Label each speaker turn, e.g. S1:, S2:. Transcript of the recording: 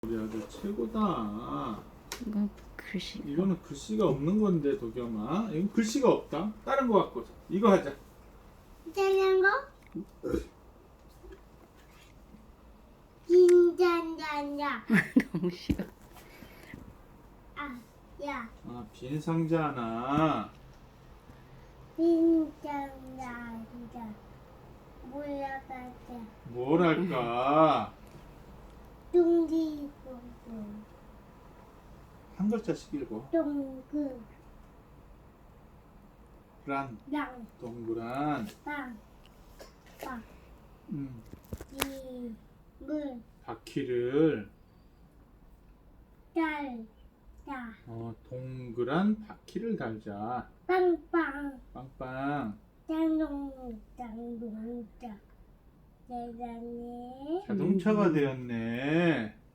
S1: 우리 아들 최고다.
S2: 이건 글씨.
S1: 이거는 글씨가 없는 건데 도겸아. 이건 글씨가 없다. 다른 거 갖고 이거 하자.
S3: 짜는 거? 긴장장장.
S2: 너무 싫어.
S3: 아, 야,
S1: 아, 빈 상자 하나.
S3: 긴장장장. 몰라가자.
S1: 뭘 할까?
S3: 둥기둥둥.
S1: 한 글자씩 읽어.
S3: 동그랑
S1: 동그란.
S3: 빵. 빵.
S1: 음.
S3: 이물
S1: 바퀴를
S3: 달다.
S1: 동그란 바퀴를 달자.
S3: 빵빵.
S1: 빵빵.
S3: 장동장. 대단해.
S1: 자동차가 되었네.